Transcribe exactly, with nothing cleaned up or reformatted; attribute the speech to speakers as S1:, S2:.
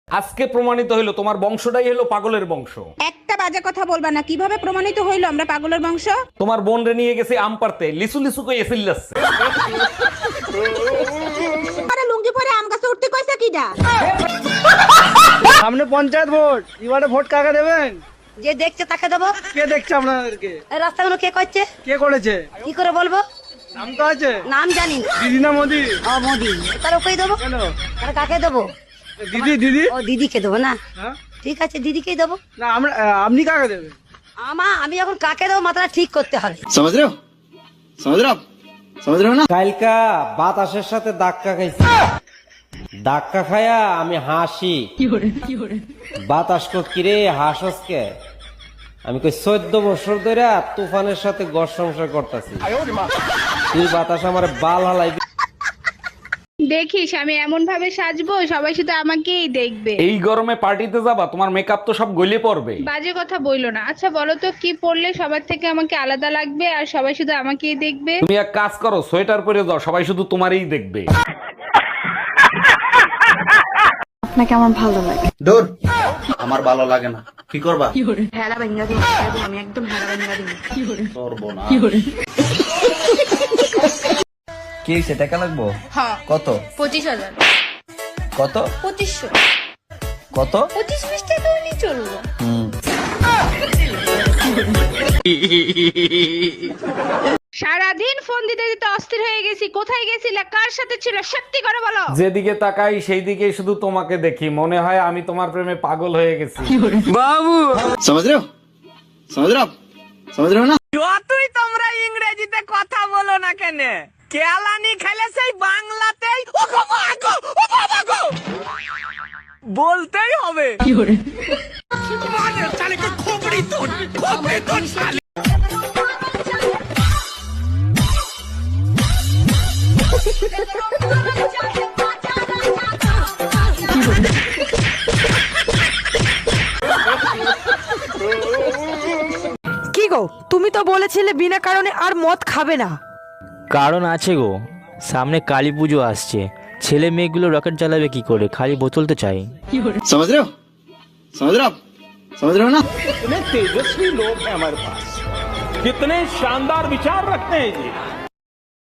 S1: আজকে প্রমাণিত হইলো তোমার বংশটাই হলো পাগলের বংশ।
S2: একটা বাজে কথা বলবা না। কিভাবে প্রমাণিত হইলো আমরা পাগলের বংশ?
S1: তোমার বোন রে নিয়ে গেছে আম পারতে, লিসু লিসু কই এসিল যাচ্ছে।
S2: আরে লুঙ্গি পরে আম গাছে উঠতে কইছে কিডা?
S3: সামনে পঞ্চায়েত ভোট, এবারে ভোট কাকে দেবেন?
S4: যে দেখছে তাকে দেবো।
S3: কে দেখছে আপনাদেরকে?
S4: এই রাস্তাগুলো কে করছে?
S3: কে করেছে?
S4: কি করে বলবো?
S3: নাম তো আছে।
S4: নাম জানি না।
S3: দিদি না মোদি?
S4: ও মোদি। তার ওকেই দেবো।
S3: কেন?
S4: তাহলে কাকে দেবো?
S3: দিদি দিদি
S4: ও দিদিকে দেবো না।
S3: হ্যাঁ?
S4: ঠিক আছে দিদিকেই দেবো।
S3: না আমরা আপনি কাকে দেবেন?
S4: আমা আমি এখন কাকে দেবো মাথাটা ঠিক করতে হবে।
S5: समझ रहे हो समझ रहे हो आप समझ रहे हो ना।
S6: কালকা বাতাসের সাথে ধাক্কা খাইছি, ধাক্কা খায়া আমি হাসি। বাতাস কো কিরে হাসসকে? আমি কই চোদ্দ বছর ধরে তুফানের সাথে ঘর সংসার করতেছি, তুই বাতাস আমার বাল হালাই।
S7: দেখিস আমি এমন ভাবে সাজবো সবাই শুধু আমাকেই দেখবে।
S1: এই গরমে পার্টিতে যাবা, তোমার মেকআপ তো সব গলে পড়বে।
S7: বাজে কথা বইলো না। আচ্ছা বলো তো কি পরলে সবার থেকে আমাকে আলাদা লাগবে আর সবাই শুধু আমাকেই দেখবে?
S1: তুমি এক কাজ করো, সোয়েটার পরে যাও, সবাই শুধু তোমারই দেখবে।
S8: আপনাকে আমার ভালো লাগে।
S5: দূর আমার ভালো লাগে না, কি করবা?
S8: হেলা ভেঙ্গা দিই আমি একদম হেলা ভেঙ্গা দিই।
S5: করবো না।
S6: কি হইছে, টাকা লাগবো?
S7: হ্যাঁ
S6: কত?
S7: পঁচিশ হাজার।
S6: কত?
S7: পঁচিশশো।
S6: কত?
S7: পঁচিশ বিশ টাকা হলেই চলবো। সারাদিন ফোন দিতে দিতে অস্থির হয়ে গেছি। কোথায় গেছিলে, কার সাথে ছিল, সত্যি করে বলো।
S1: যেদিকে তাকাই সেই দিকে শুধু তোমাকে দেখি, মনে হয় আমি তোমার প্রেমে পাগল হয়ে গেছি।
S5: समझ रहे हो समझ रहे हो आप समझ रहे हो ना।
S3: যতই তোমরা ইংরেজিতে কথা বলো না কেন, কেলানি খেলে সেই বাংলাতেই ও বাবা গো, ও বাবা গো বলতেই হবে।
S9: কি গো, তুমি তো বলেছিলে বিনা কারণে আর মদ খাবে না।
S10: কারণ আছে গো, সামনে কালী পুজো আসছে, ছেলে মেয়েগুলো রকেট জ্বালাবে কি করে, খালি বোতল তো চাই।
S5: समझ रहे हो समझ रहे हो आप समझ रहे हो ना।
S1: कितने तेजस्वी लोग हैं हमारे पास, कितने शानदार विचार रखते हैं जी।